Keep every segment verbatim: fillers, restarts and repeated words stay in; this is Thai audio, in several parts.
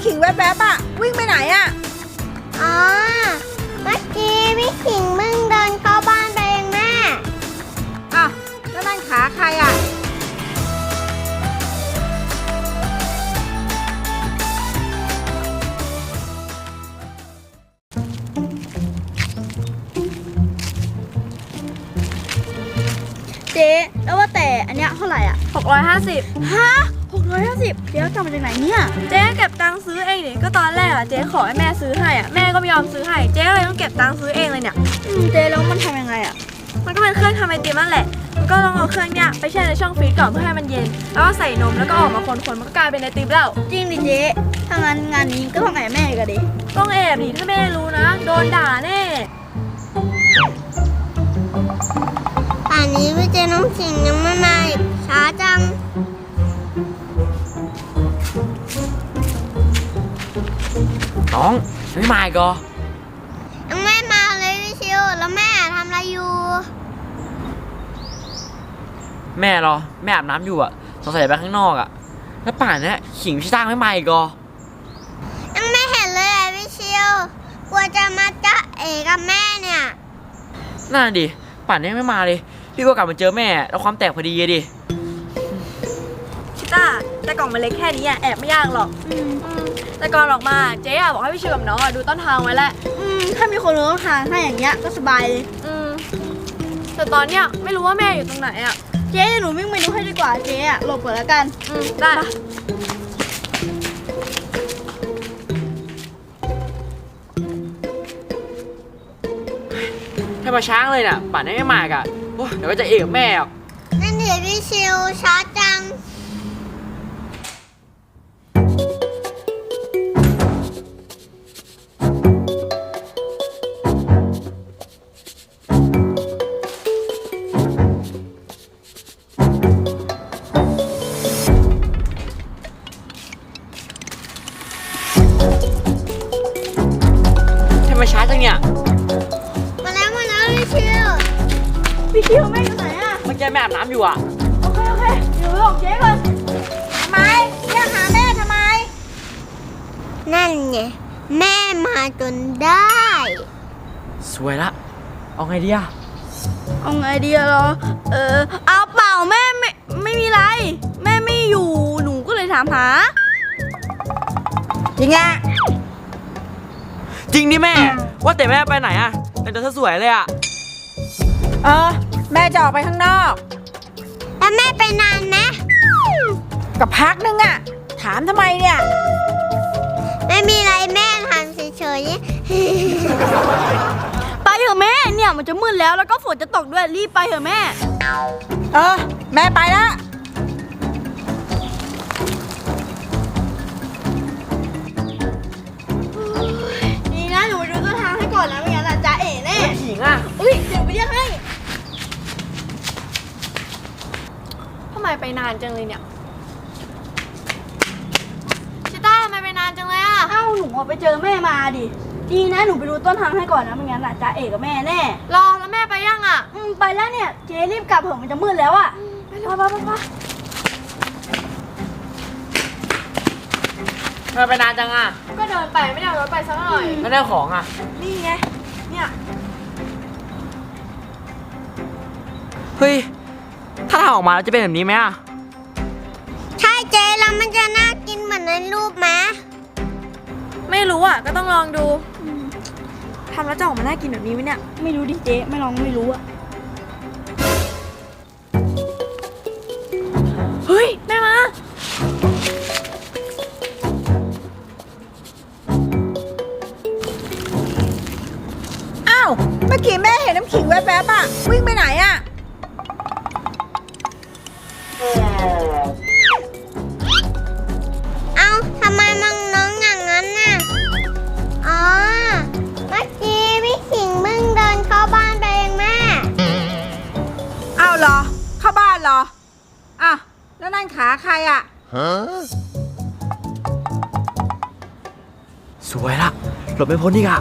ำขิงแวบๆอ่ะวิ่งไปไหนอ่ะอ๋อเมื่อกี้พี่ขิงมึงเดินเข้าบ้านไปเองแม่อ่ะแล้วนั่นขาใครอ่ะเจ๊แล้วว่าแต่อันเนี้ยเท่าไหร่อ่ะหกร้อยห้าสิบฮะหกร้อยห้าสิบเดี๋ยวจำมาจากไหนเนี่ยเจ๊เก็บตังค์ซื้อเองดิก็ตอนแรกอะเจ๊ขอให้แม่ซื้อให้อะแม่ก็ไม่ยอมซื้อให้เจ๊เลยต้องเก็บตังค์ซื้อเองเลยเนี่ยอืมเจ๊แล้วมันทำยังไงอ่ะมันก็เป็นเครื่องทำไอติมนั่นแหละมันก็ต้องเอาเครื่องเนี้ยไปแช่ในช่องฟรีซก่อนเพื่อให้มันเย็นแล้วก็ใส่นมแล้วก็ออกมาคนๆมันก็กลายเป็นไอติมแล้วจริงดิเจ๊ถ้างั้นงานนี้ก็ต้องแอบแม่กันดิต้องแอบดิถ้าแม่รู้นะโดนด่าแน่ป่านนี้พี่เจน้องขิงยังไม่มาอีกช้าจังน้องไม่มาอีกเหรอยังไม่มาเลยพี่ชิวแล้วแม่ทำอะไรอยู่แม่เหรอแม่อาบน้ำอยู่อ่ะสงสัยไปข้างนอกอ่ะแล้วป่านนี้ขิงพี่ตั้งไม่มาอีกเหรอยังไม่เห็นเลยอ่ะพี่ชิวกลัวจะมาจ๊ะเอ๋กับแม่เนี่ยน่าดิป่านนี้ไม่มาเลยพี่ก็กลับมาเจอแม่แล้วความแตกพอดีดิชิต้าแต่กล่องมันเล็กแค่นี้อะแอบไม่ยากหรอกอืมแต่ก่อนออกมาเจ๊อะบอกให้พี่ชิวกับน้องอะดูต้นทางไว้แหละอืมถ้ามีคนรู้ทางให้อย่างเงี้ยก็สบายเลยอืมแต่ตอนเนี้ยไม่รู้ว่าแม่อยู่ตรงไหนอะเจ๊หนูวิ่งไปดูให้ดีกว่าเจ๊อะหลบก่อนแล้วกันอืมได้ถ้ามาช้างเลยน่ะป่านนี้ไม่มาอีกอ่ะโอ้เดี๋ยวก็จะเอกกับแม่อ่ะนั่นเดี๋ยวพี่ชิวช้าจังถ้ามาช้าจังเนี่ยมาแล้วมาแล้วพี่ชิวพี่ชิวแม่อยู่ไหนอะเมื่อกี้แม่อาบน้ำอยู่อ่ะโอเคโอเคเดี๋ยวไปบอกเจ๊ก่อนทำไมเรียกหาแม่ทำไมนั่นไงแม่มาจนได้สวยละเอาไงดีอ่ะเอาไงดีอะเหรอเออเอาเปล่าแม่ไม่ไม่มีไรแม่ไม่อยู่หนูก็เลยถามหาจริงอ่ะจริงดิแม่ว่าแต่แม่ไปไหนอ่ะแต่งตัวสวยเลยอ่ะเออแม่จะออกไปข้างนอกแล้วแม่ไปนานไหมกับพักนึงอ่ะถามทำไมเนี่ยไม่มีไรแม่ทำเฉยๆไปเถอะแม่เนี่ยมันจะมืดแล้วแล้วก็ฝนจะตกด้วยรีบไปเถอะแม่เออแม่ไปแล้วนี่นะหนูไปดูต้นทางให้ก่อนนะไม่งั้นอ่ะจ๊ะเอ๋แน่ขิงอ่ะอุ้ยเดี๋ยวไปเรียกให้ทำไมไปนานจังเลยเนี่ยชิต้าทำไมไปนานจังเลยอะเอ้าหนูไปเจอแม่มาดิดีนะหนูไปดูต้นทางให้ก่อนนะไม่งั้นอ่ะจ๊ะเอ๋กับแม่แน่รอแล้วแม่ไปยังอะอืมไปแล้วเนี่ยเจ๊รีบกลับเถอะมันจะมืดแล้วอะไปเลยไปไปไปทำไมไปนานจังอ่ะก็เดินไปไม่ได้เอารถไปสักหน่อยแล้วได้ของอ่ะนี่ไงเนี่ยเฮ้ยถ้าทำออกมาแล้วจะเป็นแบบนี้ไหมอ่ะใช่เจ๊แล้วมันจะน่ากินเหมือนในรูปไหมไม่รู้อ่ะก็ต้องลองดูทำแล้วจะออกมาน่ากินแบบนี้ไหมเนี่ยไม่รู้ดิเจ๊ไม่ลองไม่รู้อะเฮ้ยแม่มาอ้าวเมื่อกี้แม่เห็นน้ำขิงแวบๆอ่ะวิ่งไปไหนอ่ะเอ้าทำไมมองน้องอย่างนั้นน่ะอ๋อเมื่อกี้พี่ขิงมึงเดินเข้าบ้านไปเองแม่อ้าวเหรอเข้าบ้านเหรออ่ะแล้วนั่นขาใครอ่ะฮะสวยละหลบไม่พ้นอีกอ่ะ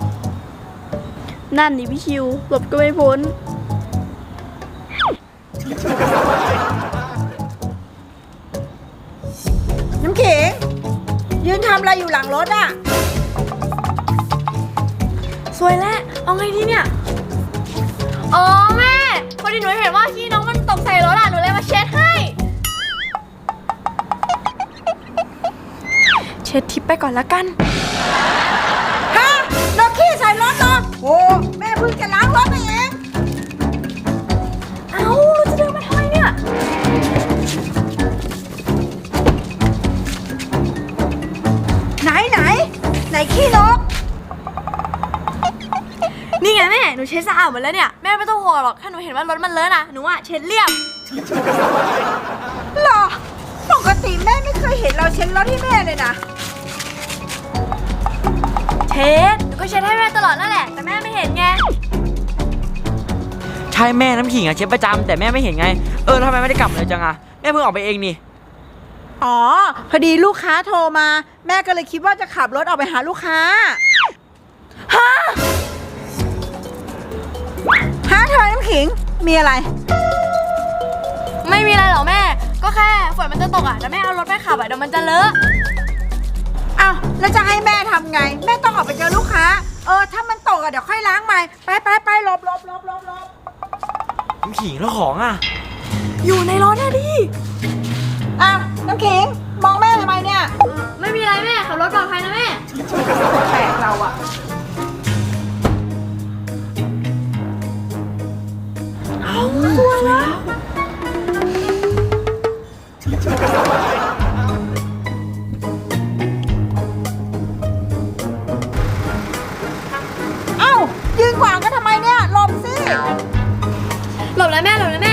นั่นดิพี่ชิวหลบก็ไม่พ้นน้ำขิงยืนทำำอะไรอยู่หลังรถอ่ะสวยแล้ว เอาไงดีเนี่ย อ๋อแม่ พอดีหนูเห็นว่าขี้น้องมันตกใส่รถอ่ะ หนูเลยมาเช็ดให้ เช็ดทิปไปก่อนละกันฮะรถขี้ใส่รถเหรอโอ้แม่เพิ่งจะล้างรถไปเองเอ้าเราจะเดินมาทำไมเนี่ยไหนไหนไหนขี้นกนี่ไงแม่ หนูเช็ดสะอาดหมดแล้วเนี่ย แม่ไม่ต้องห่วงหรอก ถ้าหนูเห็นว่ารถมันเลอะนะหนูอ่ะเช็ดเรียบหรอ ปกติแม่ไม่เคยเห็นเราเช็ดรถให้แม่เลยนะเช็ด หนูก็เช็ดให้แม่ตลอดนั่นแหละ แต่แม่ไม่เห็นไงใช่แม่น้ำขิงอะเช็ดประจำแต่แม่ไม่เห็นไง เออแล้วทำไมไม่ได้กลับเลยจังอะแม่เพิ่งออกไปเองนี่อ๋อ พอดีลูกค้าโทรมา แม่ก็เลยคิดว่าจะขับรถออกไปหาลูกค้า ฮะ ฮะเธอน้ำขิง มีอะไรไม่มีอะไรหรอกแม่ ก็แค่ฝนมันจะตกอ่ะแต่แม่เอารถไปขับอ่ะเดี๋ยวมันจะเลอะอ้าวแล้วจะให้แม่ทำไง แม่ต้องออกไปเจอลูกค้า เออ ถ้ามันตกอะเดี๋ยวค่อยล้างใหม่ ไปไปไปหลบหลบหลบหลบหลบน้ำขิงแล้วของอะอยู่ในรถนะดิอ้าวน้ำขิง มองแม่ทำไมเนี่ยไม่มีอะไรแม่ขับรถปลอดภัยนะแม่แปลกเราอะเอาสวยแล้วเอ้ายืนขวางกันทำไมเนี่ยหลบสิหลบแล้วแม่หลบแล้วแม่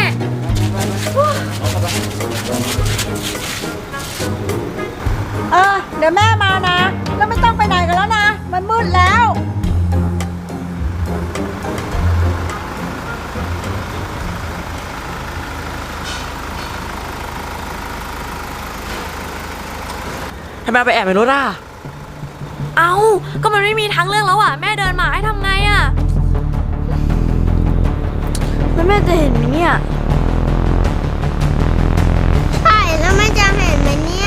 เออ เดี๋ยวแม่มานะ แล้วไม่ต้องไปไหนกันแล้วนะ มันมืดแล้วทำไมเอาไปแอบในรถอะเอาก็มันไม่มีทางเลือกแล้วอ่ะ แม่เดินมาให้ทำไงอ่ะ แล้วแม่จะเห็นไหมเนี่ยใช่แล้วแม่จะเห็นไหมเนี่ย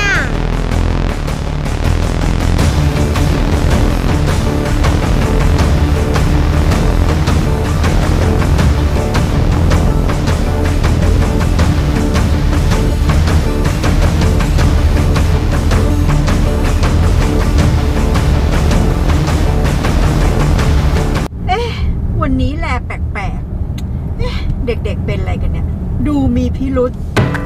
เอ๊ะ วันนี้แลแปลกๆ เอ๊ะ เด็กๆเป็นอะไรกันเนี่ย ดูมีพิรุษ